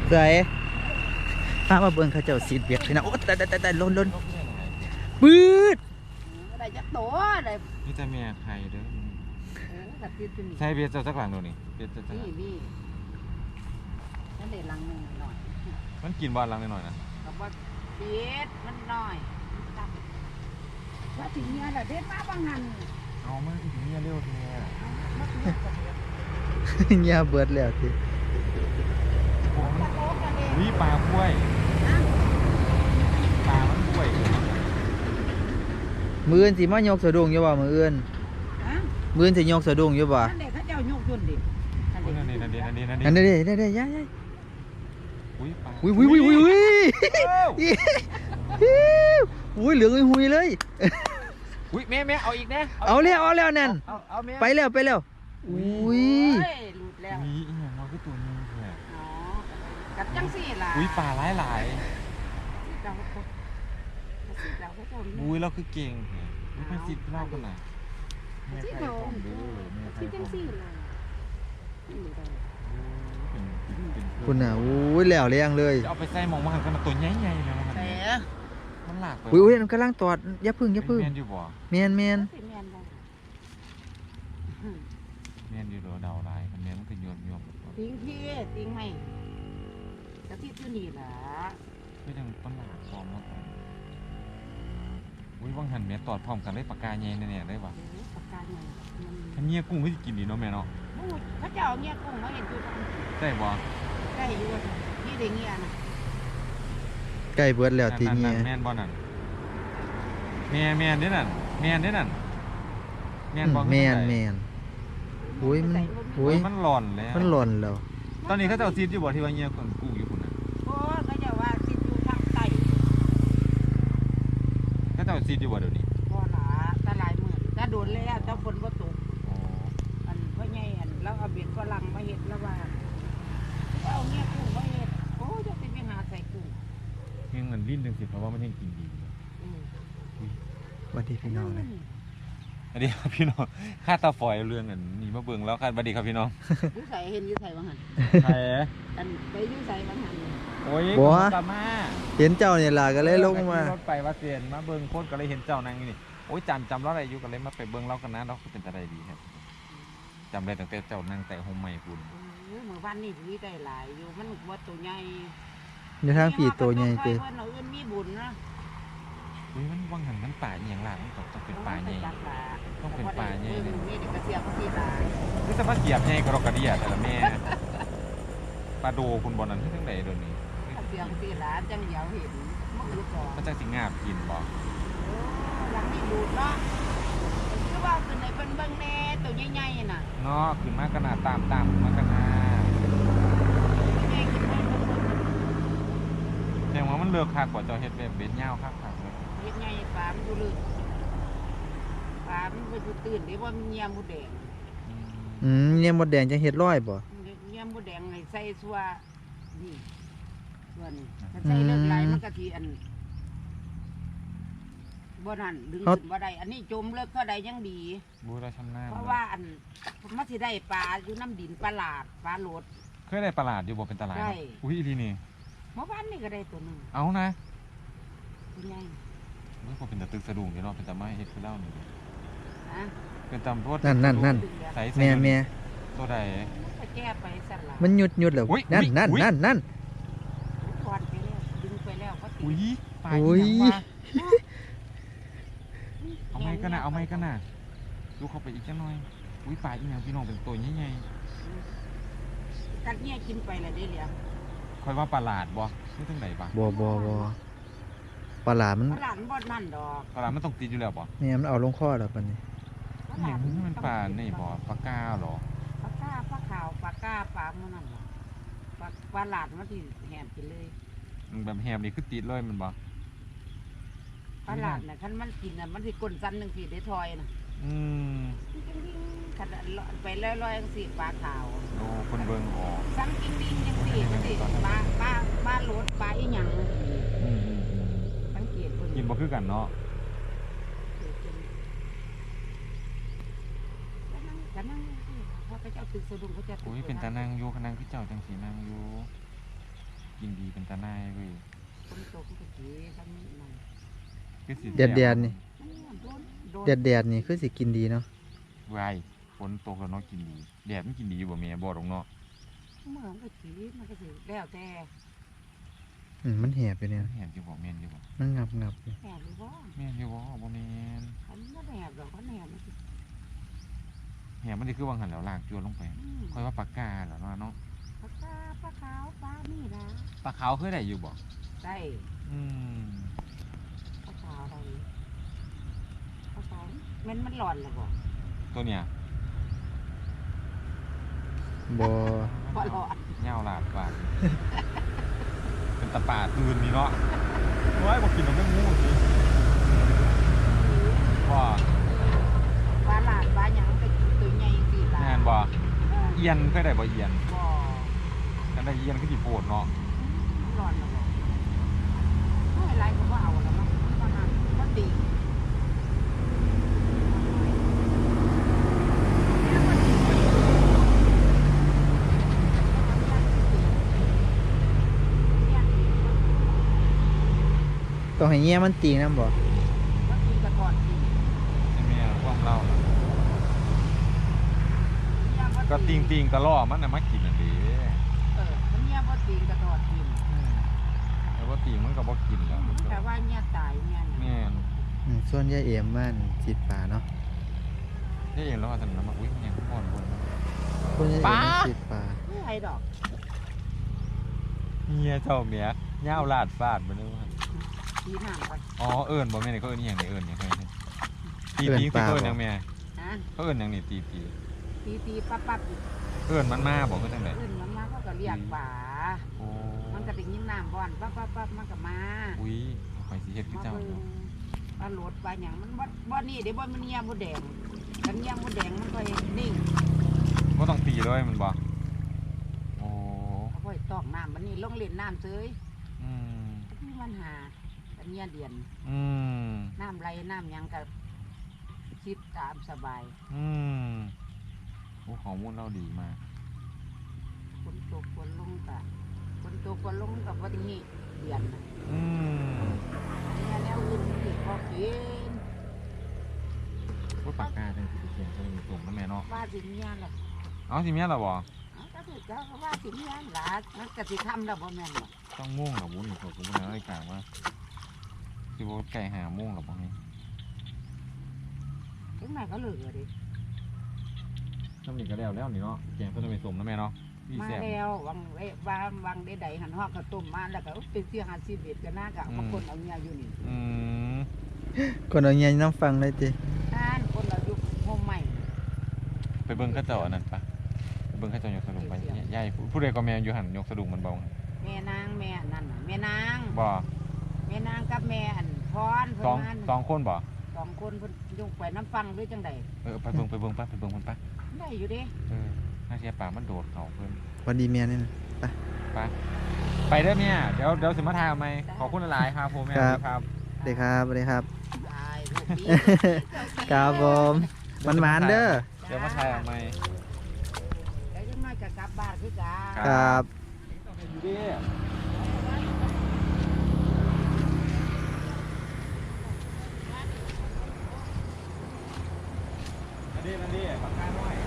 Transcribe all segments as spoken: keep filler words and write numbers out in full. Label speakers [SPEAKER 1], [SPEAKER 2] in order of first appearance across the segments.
[SPEAKER 1] ใส่พามาเบิ่งเขาเจ้าซีดเบียดพี่น้องโอ้แต่แต่แต่ล้นล้นปื๊ด
[SPEAKER 2] ได้จักตัวได้
[SPEAKER 3] นี่แต่แม่ไข่เด้อใช่เบียร์เจ้าสักหลังดูนี่เบียร์เจ้าสักหลัง
[SPEAKER 2] นี่นี่นั่นเด็ดลังหนึ่งหน่อย
[SPEAKER 3] มันกินบอลลังหน่อยนะ
[SPEAKER 2] กับว่าเบียดมันหน่อยว่าถึงเนี้ยแหละเด็ดมาบางหัน
[SPEAKER 3] เอามาถึงเนี้ยเร็วทีเนี้ย
[SPEAKER 1] เงียเบิดแล้วที
[SPEAKER 3] วิปลาคุ้ยปลามันคุ้ย
[SPEAKER 1] มืออื่นสิมายกสะดุ้งอยู่บ่มืออื่นมืออื่นสิยกสะดุ้งอยู่บ่
[SPEAKER 2] นั่นเด็กเขาเจ้ายกจนดิ
[SPEAKER 3] นั่นนี่นั่นนี่นั่นนี่นั่นนี่
[SPEAKER 1] นั่นนี่นั่นนี่ย่าย่า
[SPEAKER 3] อุ้ยปลา
[SPEAKER 1] อุ้ยอุ้ยอุ้ยอุ้ยอุ้ยอุ้ยเหลืองอุ้ยเลย
[SPEAKER 3] อุ้ยแม่แม่เอาอีกนะ
[SPEAKER 1] เอาแล้วเอาแล้วนั่นไปแล้วไปแล้วอุ้ย
[SPEAKER 2] หลุดแล้ว
[SPEAKER 3] มีอีกอย่างน้อยก็ตัวนี้แหละ
[SPEAKER 2] อ๋อกัดจังสี่ล่ะ
[SPEAKER 3] อุ้ยปลาหลายหลายอุ้ยเราคือเก่งไม่ไปซิดเล่ากันหน่อยแม่ไข่ทองดูแม่ไข่ทอง
[SPEAKER 1] คุณน่ะอุ้ยแล้วเลี้ยงเลย
[SPEAKER 3] เอาไปใส่หมองมาหันกันมาตัวใหญ่ๆเลยมันมันหลากไป
[SPEAKER 1] อุ้ยอุ้ยมันกำลังตอดยับพึ่งยับพึ่ง
[SPEAKER 3] เมียนอยู่บ่
[SPEAKER 1] เมียนเมียน
[SPEAKER 3] เมียนอยู่เดาลายมันเมียนมันคือโยนโยน
[SPEAKER 2] ติ้งพี่ติ้งไหมกระทิบอยู่นี่ล่ะ
[SPEAKER 3] ไม่ต้องต้นหลากพร้อมแล้วอุ้ยว่างหันเมียตอดพร้อมกันได้ปากกาใหญ่เนี่ยได้ป่ะ
[SPEAKER 2] ปากกาใหญ่
[SPEAKER 3] ถ้าเงี้ยกุ้งไม่กินดีเนาะแม่เนาะ
[SPEAKER 2] เขาจะเอาเงี้ยกุ้งมาเห็นอยู่
[SPEAKER 3] ได้บ่
[SPEAKER 2] ได้อยู่ที่เด็กเงี้ยนะ
[SPEAKER 1] ใกล้เบิดแล้วทีนี้
[SPEAKER 3] แม่นบ่นั่นแม่แม่นเด้นั่นแม่นเด้นั่น
[SPEAKER 1] แม่นบ่แม่นแม่นอุ้ยมันอุ้ย
[SPEAKER 3] มันหล่อนแล้ว
[SPEAKER 1] มันหล่อนแล้ว
[SPEAKER 3] ตอนนี้เขาจะเอาซีดอยู่บ่ที่ว่าเงี้ยกุ้งกุ้งอยู่คุณน่ะ
[SPEAKER 2] โอ้เขาจะว่าซีดอยู่ทางใต้
[SPEAKER 3] เขาจะเอาซีดอยู่บ่เดี๋ยวนี้
[SPEAKER 2] พอละตะลายเหมือนถ้าโดนแล้วถ้าฝนบ่ตกอันพ่อใหญ่อันแล้วเอาเบ็ดฝรั่งมาเฮ็ดแล้วว่าเอาเงี้ยกุ้งมาเฮ็ดโอ้จะไปหาใส่กุ้ง
[SPEAKER 3] เงี้ยเงินลิ้นจังสิเพราะว่ามันยังกินดี
[SPEAKER 1] สวัสดีพี่น้องเลย
[SPEAKER 3] สวัสดีครับพี่น้องค่าตาฝอยเรื่องอันนี้มาเบิ่งแล้วค่ะสวัสดีครับพี่น้อง
[SPEAKER 2] ยูใส่เห็นยูใส่บางหัน
[SPEAKER 3] ใช่
[SPEAKER 2] อันไปยูใส่บางหัน
[SPEAKER 3] โอ้ยกลับมา
[SPEAKER 1] เห็นเจ้าเนี่ยล่ะก็เลยลงมาร
[SPEAKER 3] ถไปว่าเสียนมาเบิ่งโคตรก็เลยเห็นเจ้านั่งนี่โอ้ยจำจำแล้วอะไรอยู่ก็เลยมาไปเบิ่งเล่ากันนะเราเป็นอะไรดีครับจำได้ตั้งแต่เจ้านั่งแต่โฮมใหม่คุณ
[SPEAKER 2] เมื่อวันนี้ดีได้หลายอยู่มันวัดตัวใหญ่
[SPEAKER 1] ในทางปีตัวใหญ่เกิน
[SPEAKER 2] เราเอื้อนมีบุญนะ
[SPEAKER 3] อุ้ยมันว่างหันมันป่าอย่างหลังต้องต้องเป็นป่าใหญ่ต้องเป็นป่าใหญ่เลย
[SPEAKER 2] นี่เด็กกระเสียบพี่ลา
[SPEAKER 3] คือสภาพเกียบใหญ่กระกระเดียแต่ละแม่ปลาโดคุณบอลนั้นที่ทั้งใดโดนนี้
[SPEAKER 2] กระเสียบพี่ลาจังเดียวเห็นมันคือก่อน
[SPEAKER 3] มันจะสิงาบกินบ่
[SPEAKER 2] หลังมีบุญเนาะคือว่าคือในเป็นเบิ้งแน่ตัวใหญ่ๆน่ะ
[SPEAKER 3] เนาะขึ้นมากขนาดตามตามมากขนาดแสดงว่ามันเลือกคักกว่าเจ้าเฮ็ดแบบเบ็ดยาวคักคักเลย
[SPEAKER 2] เฮ็ดไงปลามันดูลึกปลามันไปดูตื่นได้ว่ามันเงียบหมดแดง
[SPEAKER 1] อืมเงียบหมดแดงจะเฮ็ดร้อยบ่
[SPEAKER 2] เงียบหมดแดงให้ใส่ซัวนี่ส่วนถ้าใส่เลือกไหลมันก็ทีอันบ่นั่นดึงขึ้นบ่ได้อันนี้จมเลิกก็ได้ยังดี
[SPEAKER 3] บูราชำนาญ
[SPEAKER 2] เพราะว่าอันมันสิได้ปลาอยู่น้ำดินปลาหลาดปลาโหลด
[SPEAKER 3] เคยได้ปลาหลาดอยู่บ่เป็นตลาดอุ้ยทีนี่
[SPEAKER 2] เมื่อวานนี่ก็ได้ตัวนึง
[SPEAKER 3] เอานะ
[SPEAKER 2] เป็นไง
[SPEAKER 3] นี่พอเป็นตะตึกสะดุ้งอยู่เนาะเป็นตะไม้เฮ็ดคือเล่านี่เป็นตำรวจ
[SPEAKER 1] นั่นนั่นนั่นแม่แม่
[SPEAKER 3] ตัวใด
[SPEAKER 2] แก้ไปสั่นละ
[SPEAKER 1] มันหยุดหยุดเหรอนั่นนั่นนั่นนั่น
[SPEAKER 2] ถอดไปแล้วดึงไปแล้วก็ติด
[SPEAKER 3] อุ้ยปลาอย่างว่าเอาไม้กันนะเอาไม้กันนะดูเข้าไปอีกจังหน่อยอุ้ยปลาอีหยังพี่น้องเป็นตัวใหญ่
[SPEAKER 2] ๆกัดเนี่ยกินไปเลยได้เหลีย
[SPEAKER 3] คอยว่าปลาหลาดบ่ไม่ต้องไหนปะ
[SPEAKER 1] บ่บ่บ่ปลาหลาดมัน
[SPEAKER 2] ปลาหลาดบ่นั่นดอก
[SPEAKER 3] ปลาหลาดมันต้องติดอยู่แล้วบ่
[SPEAKER 1] เนี่ยมันเอาลงคอแล้วปะนี่
[SPEAKER 3] อย่างนี้มันปลาในบ่ปลาก้าหรอ
[SPEAKER 2] ปลาก้าปลาขาวปลาก้าปลาเมื่อนั่นหรอปลาปลาหลาดมันที่แหมกินเลย
[SPEAKER 3] แบบแหมนี่คือติดเลยมันบ่
[SPEAKER 2] ปลาหลาดเนี่ยคันมันกินน่ะมันสิก้นสั้นหนึ่งสี่ได้ทอยน่ะ
[SPEAKER 3] อืม
[SPEAKER 2] ขัดไปลอยๆสี่ปลาขาว
[SPEAKER 3] โอ้คนเบิ่งออก
[SPEAKER 2] สั้นกิ้งดิ้งยังสี่มันสิปลาปลาปลาโหลดปลาอีหยัง
[SPEAKER 3] อืม
[SPEAKER 2] สังเกต
[SPEAKER 3] กินบ่คือกันเนาะ
[SPEAKER 2] กันนั่งพอไปเจ้าตึกสะดุ้งเขาจะ
[SPEAKER 3] อุ้ยเป็นตานั่งอยู่กันนั่งพี่เจ้าจังสีนั่งอยู่กินดีเป็นตาหน้ายเว้ย
[SPEAKER 2] ฝนตกก็สิทำนั่น
[SPEAKER 3] คือสิ
[SPEAKER 1] แดดแดดนี่
[SPEAKER 2] มันโดนโดน
[SPEAKER 1] แดดแดดนี่คือสิกินดีเนาะ
[SPEAKER 3] ไว้ฝนตกแล้วเนาะกินดีแดดมันกินดีอยู่บ่แม่บ่ดอกเนาะ
[SPEAKER 2] เมื่อมันก็สิมันก็สิแล้วแต่
[SPEAKER 1] อืมมันแหบอยู่เนี่ย
[SPEAKER 3] เห็นอยู่บ่แม่นอยู่บ่
[SPEAKER 1] มันงับงับอยู่
[SPEAKER 2] แหบหรือบ่
[SPEAKER 3] แม่นอยู่บ่บ่แม่น
[SPEAKER 2] อันนี้บ่แหบดอกก็แหบมันสิ
[SPEAKER 3] แหมมันสิคือวางหันแล้วลากจวนลงไป
[SPEAKER 2] อืม
[SPEAKER 3] ค่อยว่าปากกาเหรอเนาะเนาะ
[SPEAKER 2] ปลาคาปลาขาวปลานี่นะ
[SPEAKER 3] ปลาขาวเคยได้อยู่บ่
[SPEAKER 2] ได้
[SPEAKER 3] อืม
[SPEAKER 2] ปลาขาวอะไรปลาขาวมันมันหลอนหรือบ่
[SPEAKER 3] ตัวเนี้ย
[SPEAKER 1] บ่
[SPEAKER 2] บ่หลอน
[SPEAKER 3] เหย้าลาดปากเป็นตะป่าตื่นนี่เนาะโอ้ยบ่กินมันไม่งูสิว่า
[SPEAKER 2] ปลาหลาดปลาหยังก็กินตัวใหญ่สิล่ะ
[SPEAKER 3] แม่นบ่
[SPEAKER 2] เออ
[SPEAKER 3] เอียนเคยได้บ่เอียน
[SPEAKER 2] บ่
[SPEAKER 3] กันได้เอียนคือสิโปวดเนาะ
[SPEAKER 2] มันหลอนหรือบ่ไม่ไรก็บ่เอาแล้วมั้งมันหันมันดี
[SPEAKER 1] ต้องให้เงี้ยมันตีน้ำบ่
[SPEAKER 2] ว่ากินกระทอดกิน
[SPEAKER 3] ใช่แม่ความเล่า
[SPEAKER 2] เนี่ยบ่
[SPEAKER 3] ก็ติงติงๆกะล่อมันน่ะมากินน่ะเด้
[SPEAKER 2] เออมันเนี่ยบ่ตีนกระทอดกิน
[SPEAKER 3] แต่ว่าติงมันก็บ่กินแล้ว
[SPEAKER 2] แต่ว่าเนี่ยตายเนี่ย
[SPEAKER 3] แม่น
[SPEAKER 1] อืมส่วนยายเอี่ยมบ้านจิตป่าเนาะ
[SPEAKER 3] ได้เองแล้วว่าซั่นน่ะมาอุ้ยมันยังอ่อนบน
[SPEAKER 1] ส่วนยายเอี่ยมบ้านจิตป่า
[SPEAKER 2] ไม่ไรดอก
[SPEAKER 3] เฮียเจ้าเมียย่าวลาดฟาดบ่นึกว่า
[SPEAKER 2] ทีห่างกัน
[SPEAKER 3] อ๋อเอิ้นบ่แม่นเขาเอิ้นอีหยังนี่เอิ้นหยังไงตีตีคือเขาเอิ้นหยังแม่
[SPEAKER 2] ฮะ
[SPEAKER 3] เขาเอิ้นหยังนี่ตีตี
[SPEAKER 2] ตีตีปั๊บปั๊บ
[SPEAKER 3] เอิ้นมันมาบ่คือจังได๋
[SPEAKER 2] ขึ้นมันมาเขาก็เรียกป่า
[SPEAKER 3] โอ้
[SPEAKER 2] มันก็ได้ยินน้ำบ่อนปั๊บปั๊บปั๊บมันก็มา
[SPEAKER 3] อุ้ยข่อยสิเฮ็ดคือ
[SPEAKER 2] มา
[SPEAKER 3] เจ้า
[SPEAKER 2] เบิ่ง
[SPEAKER 3] เนาะ
[SPEAKER 2] ปลาโหลดปลาหยังมันบ่บ่นี่เดี๋ยวบ่มันเงียบบ่แดงกันเงียบบ่แดงมันก็นิ่ง
[SPEAKER 3] บ่ต้องตีเลยมันบ่โอ้
[SPEAKER 2] เอาไว้ตอกน้ำมันนี่ลงเล่นน้ำเฉย
[SPEAKER 3] อืม
[SPEAKER 2] มีปัญหากันเงียเดียน
[SPEAKER 3] อืม
[SPEAKER 2] น้ำไหลน้ำหยังก็คิดตามสบาย
[SPEAKER 3] อืมโอ้ข้อมูลเราดีมาก
[SPEAKER 2] ฝนตกฝนลงกะฝนตกฝนลงกับวันนี้เดือนน่ะ
[SPEAKER 3] อืม
[SPEAKER 2] เนี่ยแล้วอื่นมันติดพอกิน
[SPEAKER 3] โอ้ปากกาจังสิไปเขียนใส่ในตุ่มนะแม่เนาะ
[SPEAKER 2] ว่าสิเมียแหละ
[SPEAKER 3] เอาสิเมียล่ะบ่
[SPEAKER 2] เอาก็คือเจ้าก็ว่าสิเมียหลานมันก็สิทำแล้วบ่แม่นหรอก
[SPEAKER 3] ต้องม่วงเหรอวุ้นผมผมนะไอ้กลางว่าสิบ่ไก่หาม่วงเหรอบ่ให้
[SPEAKER 2] ถึงไหนก็เหลือดิ
[SPEAKER 3] น้ำนี่ก็แล้วแล้วนี่เนาะแกงต้นไม้สมนะแม่เนาะพี่
[SPEAKER 2] มา
[SPEAKER 3] แซ่บ
[SPEAKER 2] แล้ววังเอ้วางวังได้ใดหันฮอกข้าวต้มมาแล้วก็อุ๊ยเป็นเสียหาสิบเอ็ดก็น่าก็เอามาคนเอาเมียอยู่นี่
[SPEAKER 3] อืม
[SPEAKER 1] คนเอาเงี้ยน้ำฟังเลยจิ
[SPEAKER 2] อ่านคนเราอยู่โฮมใหม่
[SPEAKER 3] ไปเบิ่งเข้าเจ้าอันนั้นปะไปเบิ่งเข้าเจ้ายกสะดุงไปยายผู้ใดก็แม่อยู่หันยกสะดุงมันเบา
[SPEAKER 2] แม่นางแม่นั่นน่ะแม่นาง
[SPEAKER 3] บ่
[SPEAKER 2] แม่นางกับแม่อันพรเพิ่
[SPEAKER 3] สอง
[SPEAKER 2] นมา
[SPEAKER 3] สองคนบ่
[SPEAKER 2] สองคนเพิ่นยกไปน้ำฟังหรือจังใด
[SPEAKER 3] เออไปเบิ่งไปเบิ่งปะไปเบิ่งมันปะ
[SPEAKER 2] ได้อยู่เด้
[SPEAKER 3] เออน่าเสียปากมันโดดเขาเพิ่น
[SPEAKER 1] วันดีเมียนี่นะ
[SPEAKER 3] ไปไปเด้อแม่เดี๋ยวเดี๋ยวสิมาถ่ายเอาไหมขอบคุณหลายๆครับผมแม่ครับ
[SPEAKER 1] สวัสดีครับสวัสดีครับ
[SPEAKER 2] ตายลูกดี
[SPEAKER 1] ครับผมมันหวานๆเด้อ
[SPEAKER 3] เดี๋ยวมาถ่ายเอาไหม
[SPEAKER 2] แล้วยังน้อยก็กลับบ้านคือกัน
[SPEAKER 1] ครับ
[SPEAKER 3] อยู่ดิอันนี้อันนี้ปากกาหน่อย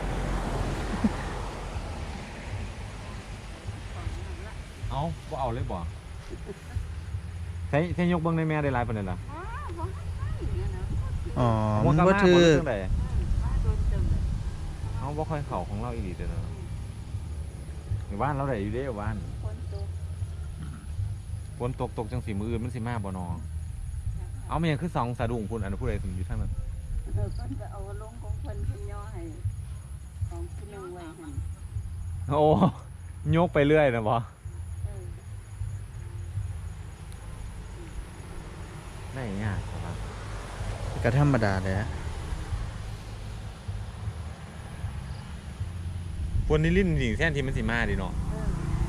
[SPEAKER 3] เอาบ่เอาเลยบ่ใช้ใช้ยกเบิ้งในแม่ได้หลายปานใดล่ะ
[SPEAKER 2] อ๋อบ่ให้เนี่ยนะ
[SPEAKER 1] อ๋อ
[SPEAKER 3] หัว
[SPEAKER 1] มัน
[SPEAKER 3] กะ
[SPEAKER 1] ก็
[SPEAKER 3] มา
[SPEAKER 1] ถื
[SPEAKER 3] บ่
[SPEAKER 1] อ
[SPEAKER 3] เรื่องใด
[SPEAKER 2] มาโดนตึง
[SPEAKER 3] เอาบ่ค่อยเข้าของเราอีหลีเด้อเนาะอยู่บ้านเราได้อยู่เด้อยู่บ้าน
[SPEAKER 2] คนตก
[SPEAKER 3] ฝนตกตกจังสีมืออื่นมันสิมาบ่นอเอามันยังคือสองสะดุ้งพุ่นอันนนผู้ใดถึงอยู่ทางนั้น
[SPEAKER 2] เออเพิ่นก็เอาลงของเพิ่นเพิ่นย่อให้ของผู้นึงไว้หั่น
[SPEAKER 3] โอ้ยกไปเรื่อยนะบ่
[SPEAKER 2] เออ
[SPEAKER 3] ได้ยากครับ
[SPEAKER 1] ก็ธรรมดาเลยอะ
[SPEAKER 3] ฝนนี่ลิ้นหญิงแท่นที่มันสิมาดิเนาะ
[SPEAKER 2] เออ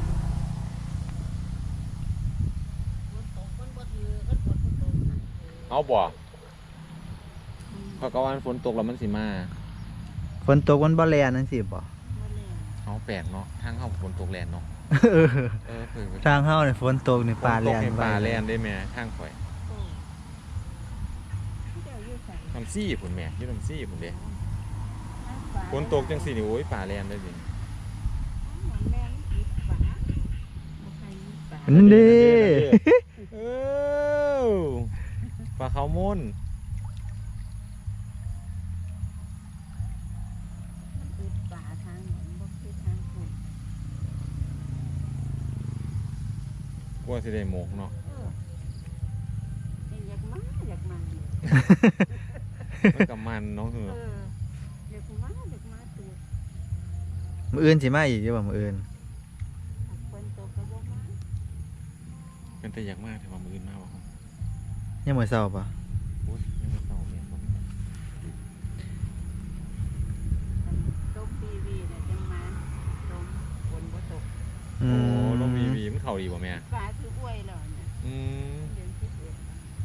[SPEAKER 2] ฝนตกฝนบ่ถือฝนฝนบ่ตก
[SPEAKER 3] เอาบ่เพราะก็ว่าฝนตกแล้วมันสิมา
[SPEAKER 1] ฝนตกวันบ่แลนั่นสิบ่
[SPEAKER 2] บ่แล
[SPEAKER 3] เอาแปลกเนาะทางเข้าฝนตกแลนเนาะ
[SPEAKER 2] เ
[SPEAKER 1] เออ
[SPEAKER 3] เออเปิดไป
[SPEAKER 1] ทางเฮาเนี่ยฝนตกนี่ปลาแล่น
[SPEAKER 3] ฝตกให้ปลา
[SPEAKER 1] ไว้
[SPEAKER 3] แล่นได้แม่ทางข่อย
[SPEAKER 2] โอ้ที่เดี๋ยวอยู่ใส่
[SPEAKER 3] น้ำซี่พุ่นแม่อยู่น้ำซี่พุ่นเด้
[SPEAKER 2] น้ำปลา
[SPEAKER 3] ฝนตกจังซี่นี่โอ้ยปลาแล่นได้ดิ
[SPEAKER 2] เหมือนแม่มันกินปลาบ่ใครมีปลา
[SPEAKER 1] นั่นเด้
[SPEAKER 3] เออปลาเขาวมุน
[SPEAKER 2] มันอึดปลาทางเหมือนบ่คือทางคุณ
[SPEAKER 3] กลัวสิได้หมกเนาะ
[SPEAKER 2] เออเป็นอยากมาอยากมาเลย
[SPEAKER 3] มันกับมันเนาะเหื
[SPEAKER 2] เอ
[SPEAKER 3] อ
[SPEAKER 2] ออยากมาอยากมาตัว
[SPEAKER 1] มื้ออื่นสิมาอีกอยู่บ่มื้ออื่น
[SPEAKER 2] ถ้าฝนตกก็บ่มา
[SPEAKER 3] เป็นแต่อยากมากแต่ว่ามืออื่นมากว่ะครับ
[SPEAKER 1] ยังมื้อเช้าปะ
[SPEAKER 3] โอ้ยยังไม่เศร้าเลยครับ
[SPEAKER 2] อันต้มปีวีเนี่ยจังมาต้มฝนบ่ตก
[SPEAKER 1] อื
[SPEAKER 3] โอ้
[SPEAKER 1] ม
[SPEAKER 3] ลมวีวีมันเข่าดีป่ะแม่
[SPEAKER 2] ปลาคืออ้วยแล้วเนี่ย
[SPEAKER 3] อืม
[SPEAKER 2] เดือนสิบเอ็ด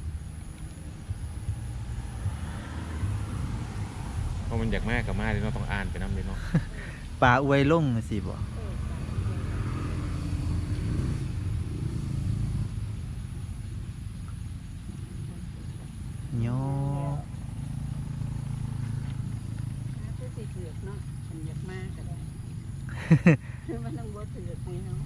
[SPEAKER 3] เพราะมันอยากมากกับมากเลยเนาะต้องอ่านไปน้ำเลยเนาะ
[SPEAKER 1] ปลาอวยลงสิบ่
[SPEAKER 2] เออปลาคืออ้วยแล้ว
[SPEAKER 1] ย่อ
[SPEAKER 2] ถ้าคือสิเถือกเนาะมันอยากมาก็ได้ คือมันต้องบ่เถือกนี่เนาะ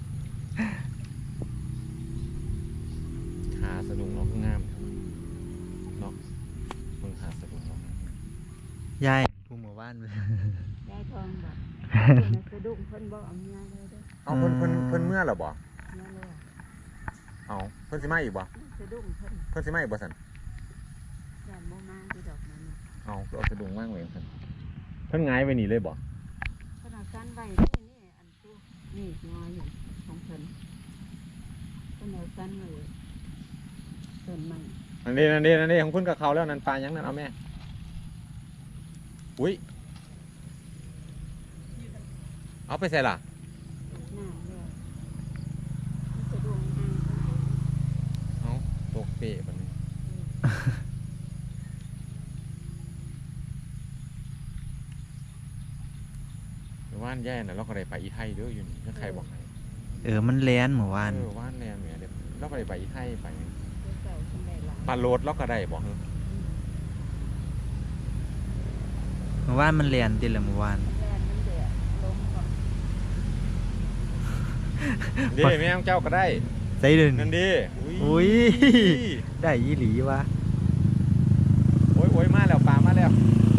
[SPEAKER 3] ขาสะดุ้งเนาะงามเนาะมึงขาสะดุ้งเนาะ
[SPEAKER 1] ยายผู้หมู่บ้านเว้ย
[SPEAKER 2] ยายทองบอกเพิ่นน่ะสะดุ้งเพิ่นบ่เอาเมียเลยเด้อ
[SPEAKER 3] เอาเพิ่นเพิ่นเพิ่นเมื่อหรอบ่
[SPEAKER 2] เมียเลย
[SPEAKER 3] เอาเพิ่นสิมาอีกบ่
[SPEAKER 2] สะดุ้งเพิ่น
[SPEAKER 3] เพิ่นสิมาอีกบ่สัน
[SPEAKER 2] ย่านบ่มาที่ดอกนั้นน่ะ
[SPEAKER 3] เอาก็เอาสะดุ้งว่างไว้สันเพิ่นหงายไว้นี่เลยบ่
[SPEAKER 2] เพิ่นเอากันไว้นี่นี่อันตู้นี่งออยู่ของเพิ่นเพิ่นเอากันไว้ต้นไม้
[SPEAKER 3] นั่นนี่นั่นนี่นั่นนี่ของเพิ่นกับเขาแล้วนั่นปลายังนั่นเอาแม่อุ้ยเอาไปใส่ล่ะ
[SPEAKER 2] หน้าเลยมันสะดุ้งห่างเพิ่น
[SPEAKER 3] เอาตกเปะบัดนี้เดี๋ยวว่านแย่น่ะเราก็ได้ไปอีไทยเด้ออยู่นี่ถ้าใครบอกให้
[SPEAKER 1] เออมันแล่นเมื่อวาน
[SPEAKER 3] เออว่านแน่เนี่ยเดี๋ยวเราก็ได้ไปอีไทยไป
[SPEAKER 2] เพิ่นเก่าเพิ่นได้หลาย
[SPEAKER 3] ปลาโลดเราก็ได้บอกเฮ้ย
[SPEAKER 1] เมื่อวานมันแล่นติละเมื่อวาน
[SPEAKER 2] แล่นมันแดดลมก่อน
[SPEAKER 3] ดีแม่งเจ้าก็ได้
[SPEAKER 1] ใส่เดิน
[SPEAKER 3] นั่นดี
[SPEAKER 1] อุ้ย ได้อีหลีวะ
[SPEAKER 3] โอ้ยโอ้ยมาแล้วปลามาแล้ว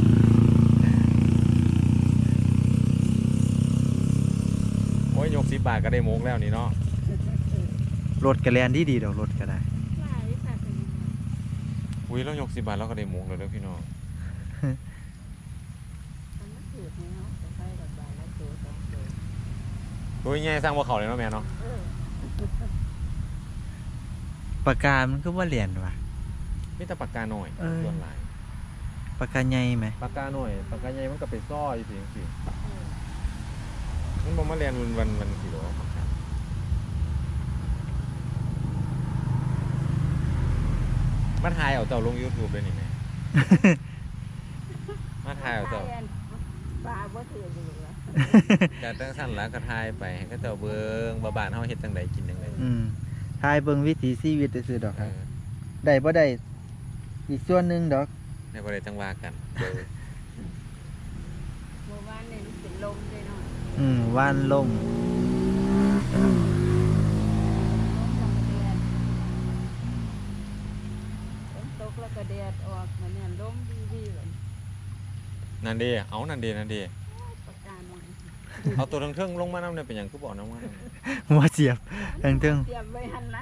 [SPEAKER 3] โอ้ยยกสิบบาทก็ได้โมกแล้วนี่เนาะ
[SPEAKER 1] รถกระแลนดีดีๆดอกรถก็ได้
[SPEAKER 2] หลายค่ะเป็นยังไง
[SPEAKER 3] อุ้ยเรายกสิบบาทเราก็ได้โมกแล้วเด้อพี่น้อง
[SPEAKER 2] มันไม่ถือกเนาะแต่ใส่แบบบาทละตัวสองตัว
[SPEAKER 3] โอ้ยแง่สร้างบ่เขาเลยเนาะแม่เนาะ
[SPEAKER 2] เออ
[SPEAKER 1] ปากกามันก็ว่าแล่นว่ะ
[SPEAKER 3] มีแต่ปากกาหน่อย
[SPEAKER 1] เออ
[SPEAKER 3] ส่วนหลาย
[SPEAKER 1] ปากกาใหญ่ไหม
[SPEAKER 3] ปากกาหน่อยปากกาใหญ่มันก็ไปซ้อยสิสิ
[SPEAKER 2] เออ
[SPEAKER 3] มันบ่มาเรียนวันวันวันสิหรอปากกามาถ่ายเอาเจ้าลง YouTube เลยนี่แม่ มาถ่ายเอาเจ้า
[SPEAKER 2] ปลาบ่ถือกอยู่แล้ว
[SPEAKER 3] จากตั้งสั้นแล้วก็ถ่ายไปให้เขาเจ้าเบิ่งว่าบ้านเฮาเฮ็ดจังไดกินจังได
[SPEAKER 1] อืมทายเบิ่งวิถีชีวิตซื่อๆดอก
[SPEAKER 3] เอ
[SPEAKER 1] ครับ
[SPEAKER 3] อ
[SPEAKER 1] ได้บ่ได้อีกส่วนหนึงดอก
[SPEAKER 3] ในบ่ได้จังว่ากันเดี๋ยว
[SPEAKER 2] เมื่อวานนี่มันเป็นลมเลยเนาะ
[SPEAKER 1] อืมว่านล่ม
[SPEAKER 2] ลมแล้วก็แดดฝนตกแล้วก็แดดออกมันเนี่ยลมดีๆเลย
[SPEAKER 3] นั่นเด้เอานั่นเด้นั่นเด้
[SPEAKER 2] ปากกาหน่อย
[SPEAKER 3] เอาตัวทั้งเทิงลงมานำเนี่ยเป็นหยังคือบ่นำมา
[SPEAKER 1] หัวเสียบเทิงเทิง
[SPEAKER 2] เตรียมไว้หันละ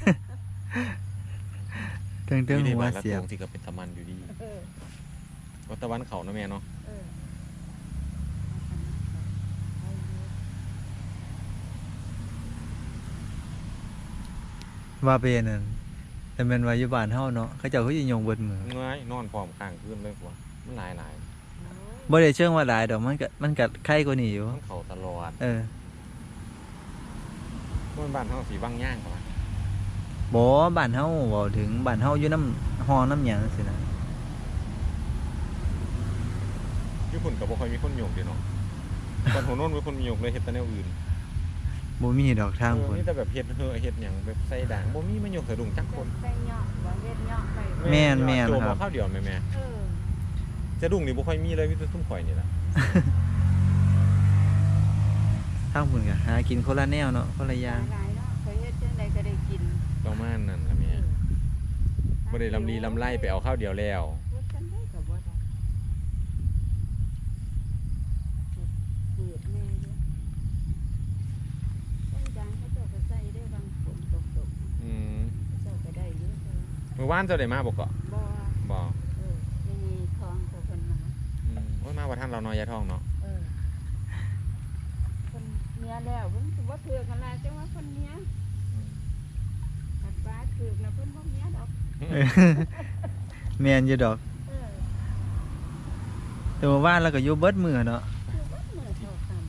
[SPEAKER 1] เทิงเทิง
[SPEAKER 3] นี่
[SPEAKER 1] หัว
[SPEAKER 3] บ้านละ
[SPEAKER 1] เสีย
[SPEAKER 3] ต
[SPEAKER 1] บ
[SPEAKER 3] รงที่ก็เป็นตะมันอยู่ดี
[SPEAKER 2] เออ
[SPEAKER 3] วัดตะวันเขาเนาะแม่เนาะ
[SPEAKER 2] เออ
[SPEAKER 1] ว่าเป็นนั่นแต่แม่นว่าอยู่บ้านเฮาเนาะเขาเจ้าคือสิยงเบิดมือ
[SPEAKER 3] เงยนอนพร้อมข้างคืนเลยกว่ามันหลายหลาย
[SPEAKER 1] บ่ได้เชิงว่าหลายดอกมันก็มันก็ไข่กว่านี้อยู่
[SPEAKER 3] มันเขาตลอด
[SPEAKER 1] เออ
[SPEAKER 3] มันบ้านเฮาสีบางย่างกว่า
[SPEAKER 1] บ่บ้านเฮาเว้าถึงบ้านเฮาอยู่น้ำห้องน้ำหยังจังซี่นะ
[SPEAKER 3] ญี่ปุ่นก็บ่ค่อยมีคนโยกเด้เนาะตอนหัวโน้นมีคนมีโยกเลยเฮ็ดแต่แนวอื่น
[SPEAKER 1] บ่มีดอกทาง
[SPEAKER 3] เออ
[SPEAKER 1] พุ่น
[SPEAKER 3] มีแต่แบบเฮ็ดเฮอเฮ็ดหยังแบบใส่ด่างบ่มีมันยกสะดุ้งจักคน
[SPEAKER 2] ใส่เหยาะบ่เฮ็ดเหยาะไป
[SPEAKER 1] แม่นแม่น
[SPEAKER 3] โจม
[SPEAKER 1] ครับ
[SPEAKER 3] เอาข้าวเดียวแม่แม่
[SPEAKER 2] เออ
[SPEAKER 3] สะดุ้งนี่บ่ค่อยมีเลยมีแต่ซุ่มข่อยนี่ล่ะ
[SPEAKER 1] ทางพุ่นก็หากินคนละแนวเนาะคนละอย่าง
[SPEAKER 2] หลายเนาะเคยเฮ็ดจังไดก็ได้กิน
[SPEAKER 3] ประมาณนั้นล่ะแม่บ่ได้ลำลีลำไรไปเอาข้าวเดียวแล้ว
[SPEAKER 2] เฮ็ดจังไดก็บ่ได้เปิดแม่อยู่ต้นยางเขาเจ้าก็ใส่ได้บางฝนตกๆ
[SPEAKER 3] อืม
[SPEAKER 2] เจ้าก็ได้เยอะเลย
[SPEAKER 3] เมื่อวานเจ้าได้มาบ่เกาะ
[SPEAKER 2] บ่
[SPEAKER 3] บ่
[SPEAKER 2] เออไม่มีทองกับคนมา
[SPEAKER 3] อืมโอ้ยมาว่าท่านเราน้อยยายทองเนาะ
[SPEAKER 2] เออคนเมียแล้วเพิ่นสิบ่ถือกันละจังว่าคนเมียกัดฟ้าถือนะเพิ่นบ่เมียดอก
[SPEAKER 1] แม่นอยู่ดอก
[SPEAKER 2] เออ
[SPEAKER 1] แต่ว่าว่านแล้วก็อยู่เบิดมื้อเนาะ
[SPEAKER 2] คือว่ามื้อเท่ากัน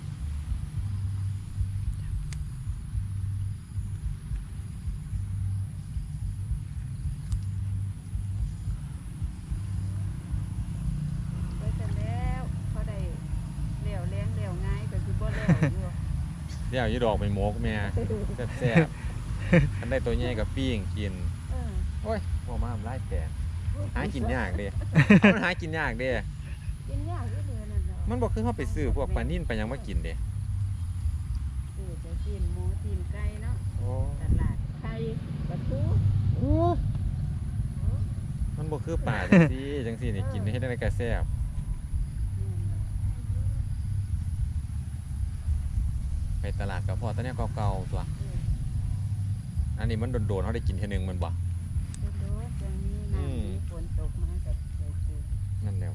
[SPEAKER 2] ไปแต่แล้วเขาได้เหลวแรงเหลวง่ายก็สิบ่แล้วอยู่
[SPEAKER 3] เดี๋ยวอยู่ดอกไปโมกแม่แซ่บๆอันได้ตัวใหญ่กับปิ้งกิน
[SPEAKER 2] เออ
[SPEAKER 3] โอ้ยบ่มาไล่แตกหากินยากเด้เอามันหากินยากเด้
[SPEAKER 2] กินยากอยู่เด้อนั่นเนาะ
[SPEAKER 3] มันบ่คือเฮาไปซื้อพวกปลานิ่นปลาหยังมากินเด้
[SPEAKER 2] ซื้อจะกินหมูกินไก่เนาะ
[SPEAKER 3] โอ้
[SPEAKER 2] ตลาดไข่ปลาทู
[SPEAKER 3] มันบ่คือป่าจังซี่จังซี่นี่กินได้เฮ็ดได้ก็แซ่บไปตลาดก็พอแตอนนี้เก่าๆตัว อันนี้มันโดนๆเฮาได้กินเทื่อนึงมันบ่
[SPEAKER 2] เออดูจังนี้น้ำมีฝนตกมาก็ได้กิน
[SPEAKER 3] นั่นแล้ว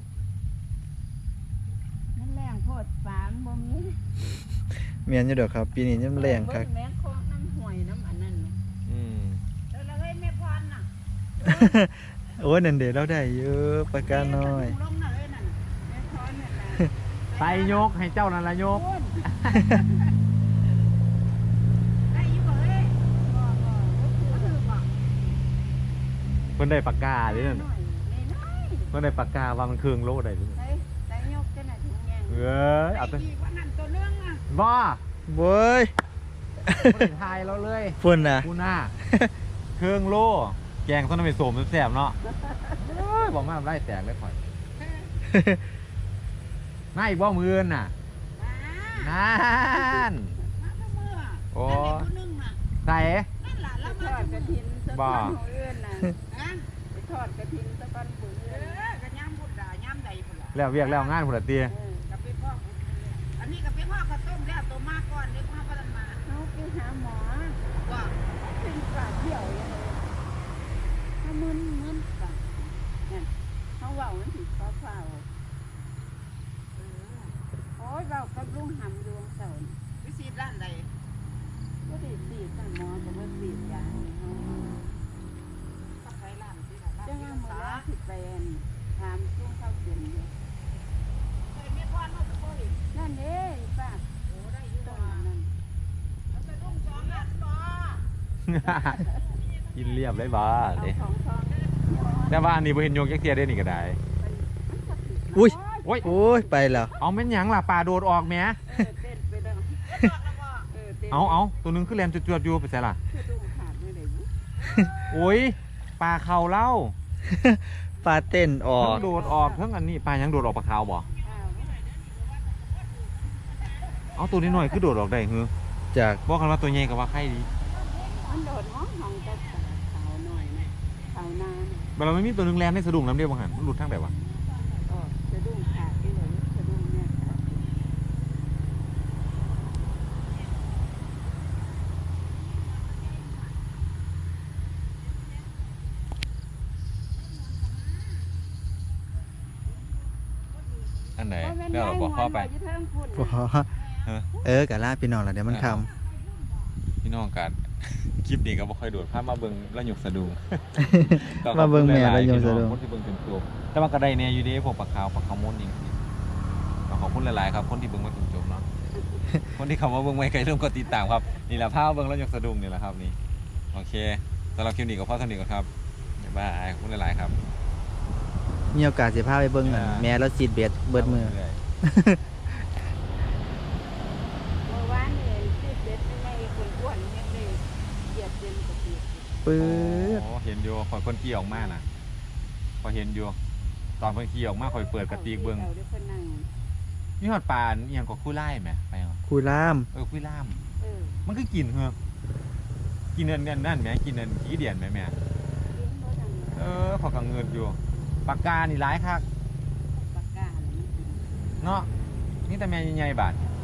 [SPEAKER 2] มันแรงโพดฝามบ่มี
[SPEAKER 1] แม่นอยู่ดอกครับ ปีนี้ยังแรงคัก
[SPEAKER 2] เบิ่แม่คอกน้ำห้วยน้ำอันนั้นน่ะ
[SPEAKER 3] อืม
[SPEAKER 2] แล้วเราให้แม่พรน่ะ
[SPEAKER 1] โอ้ยนั่นเด้เราได้เยอะปากกาน้อย
[SPEAKER 2] ลงน่ะเอ้ยนั่นแม่พรนั่นน่ะ
[SPEAKER 3] ไปยกให้เจ้านั่นล่ะยก
[SPEAKER 2] โอ้ยได้อยู่บ่เอ้ยบ่บ่บ่ถือบ่
[SPEAKER 3] เพิ่นได้ปากกาเด้นั่น
[SPEAKER 2] น้อยน้อย
[SPEAKER 3] เพิ่นได้ปากกาว่ามันเครื่องโลได้เด้
[SPEAKER 2] ๆได้ได้ยกจังได๋ถึงแยง
[SPEAKER 3] เอ้ยเอา
[SPEAKER 2] ได้
[SPEAKER 3] แต่
[SPEAKER 2] ดีกว่านั้นตัวนึงอ่ะ
[SPEAKER 3] บ่
[SPEAKER 1] โว้ย
[SPEAKER 3] บ่ได้ทายเราเลย
[SPEAKER 1] พุ่นน่ะ
[SPEAKER 3] กูหน้า เครื่องโลแกงส้นน้ำมันโสมแซ่บๆเนาะเอ้ยบอกมาไล่แตกเลยข่อยมาอีกบ่มื้อน่ะ
[SPEAKER 2] มา
[SPEAKER 3] นั่น
[SPEAKER 2] มาเสมอ
[SPEAKER 3] โอ้
[SPEAKER 2] นั่นแหละผู้หนึงน่ะ
[SPEAKER 3] ใส่
[SPEAKER 2] นั่นล่ะแล้วมาทอดกระถินสะ
[SPEAKER 3] บ่
[SPEAKER 2] ก้อนหัวเอื้อนน่ะนะไปทอดกระถินสะก้อนหัวเอื้อนเออก็ย่ำพุดด่าย่ำใดพุ่นล่ะ
[SPEAKER 3] แล้วเวียกแล้วงานพุ่นละติ
[SPEAKER 2] เออกับไปพ่ออันนี้กับไปพ่อก็ต้มแล้วตัวมาก่อนเดี๋ยวพ่อก็ทันมาเฮาไปหาหมอว่าเป็นปากเหี่ยวอย่างไรถ้ามึนมึนปากนั่นเฮาเว้ามันสิฟ้าฟ้าวเออโอ้ยเว้ากับลุงหำดวงเสาร์วิสิตร้านใดบ่ได้สีดนั่นหมอก็บ่สีดยาให้เฮาจังว่าหมอสิไปอั่นถามลุงเข้าเปลี่ยนอยู่นั่นเด้ป้าโอ้ได้อยู่ว่านั่นแล้วไปลุงสองอันบ่
[SPEAKER 3] กินเรียบเลยบ่
[SPEAKER 2] เอา
[SPEAKER 3] เด้
[SPEAKER 2] ของทองได้
[SPEAKER 3] แต่ว่าอันนี้บ่เห็นโยกจักเที่ยเด้นี่ก็ได้
[SPEAKER 1] อุ้ย
[SPEAKER 3] โอ้ย
[SPEAKER 1] โอ้ยไปแล้ว
[SPEAKER 3] เอาแม่นหยังล่ะปลาโดดออกแหม
[SPEAKER 2] เออเต้นไปแล้วเออเต้น
[SPEAKER 3] เอาเอาตัวหนึงคือแลนจวดๆอยู่ไปไสล่ะ
[SPEAKER 2] คือลุงขาดไม่ได้บุ
[SPEAKER 3] โอ้ยปลาเขาเล่า
[SPEAKER 1] ปลาเต้นออ
[SPEAKER 3] ทั้
[SPEAKER 1] ก
[SPEAKER 3] งโดดออกทั้งอันนี้ปลาหยังโดดออกปลาขาวบ่
[SPEAKER 2] อ้าว
[SPEAKER 3] เอาตัวนี้หน่อยคือโดดออกได้หือ
[SPEAKER 1] จาก
[SPEAKER 3] บอกกันว่าตัวใหญ่ก็ว่าไข่ดี
[SPEAKER 2] มันโดดห้องห้องแต่ขาวหน่อยนะขาวนาน
[SPEAKER 3] บัดเราไม่มีตัวหนึงแลนในสะดุ้งน้ำเดียวบ่หันมันหลุดทางใดวะ
[SPEAKER 2] ก็สะดุ้งขาดไปเลยสะดุ้งเนี่ยขาด
[SPEAKER 3] อันไหน
[SPEAKER 2] เพราะมัน
[SPEAKER 3] เดี๋ยวเราบอกพ่อไป
[SPEAKER 2] ย้ายหัวอยู่เทิงพุ่น
[SPEAKER 1] พอ
[SPEAKER 3] ฮะ
[SPEAKER 1] เออกะลาพี่น้องล่ะเดี๋ยวมันคำ
[SPEAKER 3] พี่น้องกัน คลิปนี้ก็บ่ค่อยโดดพามาเบิ่งแล้วหยกสะดุ้ง
[SPEAKER 1] มาเบิ่งแม่แล้วหยกสะดุ้ง
[SPEAKER 3] คนที่เบิ่งเป็นตัวแต่ว่าก็ได้แน่อยู่เด้พวกปลาขาวปลาขาวม้วนจริงๆก็ขอบคุณหลายๆครับ คนที่เบิ่งมาถึงจบเนาะ คนที่เข้ามาเบิ่งไว้ใครเริ่มกดติดตามครับนี่แหละพามาเบิ่งแล้วหยกสะดุ้งนี่แหละครับนี่โอเคสำหรับคลิปนี้ก็พอเท่านี้ก่อนครับบ๊ายบายขอบคุณหลายๆครับ
[SPEAKER 1] มีโอกาสสิพาไปเบิ่งอันแม่เราซีดเบ็ดเบิดมือ
[SPEAKER 2] เมื่อวานนี่สิบเด็ดไม่ไง
[SPEAKER 1] ปื๊ด
[SPEAKER 3] โอ้เห็นอยู่ข่อยคนขี่ออกมาน่ะข่อยเห็นอยู่ตอนเพิ่นขี่ออกมาข่อยเปิดกระติกเบิ่ง
[SPEAKER 2] อาดี๋ยวเพิ่นนั่ง
[SPEAKER 3] มีฮอดปลาอีหยังก็คู่ไล่แหมไปเหรอ
[SPEAKER 1] คุยล่าม
[SPEAKER 3] เออคุยล่าม
[SPEAKER 2] เออ
[SPEAKER 3] มันคือกินเหรอกินอันนั้นนั่นแหมกินอันขี้เดียนแหมแหม
[SPEAKER 2] เลี้ยงบ่ดัง
[SPEAKER 3] เออพอกังเงินอยู่ปากกานี่หลายคัก
[SPEAKER 2] ปากกาอะไรนี่กิน
[SPEAKER 3] เนาะนี่แต่แม่ใหญ่ๆบาด
[SPEAKER 2] เอ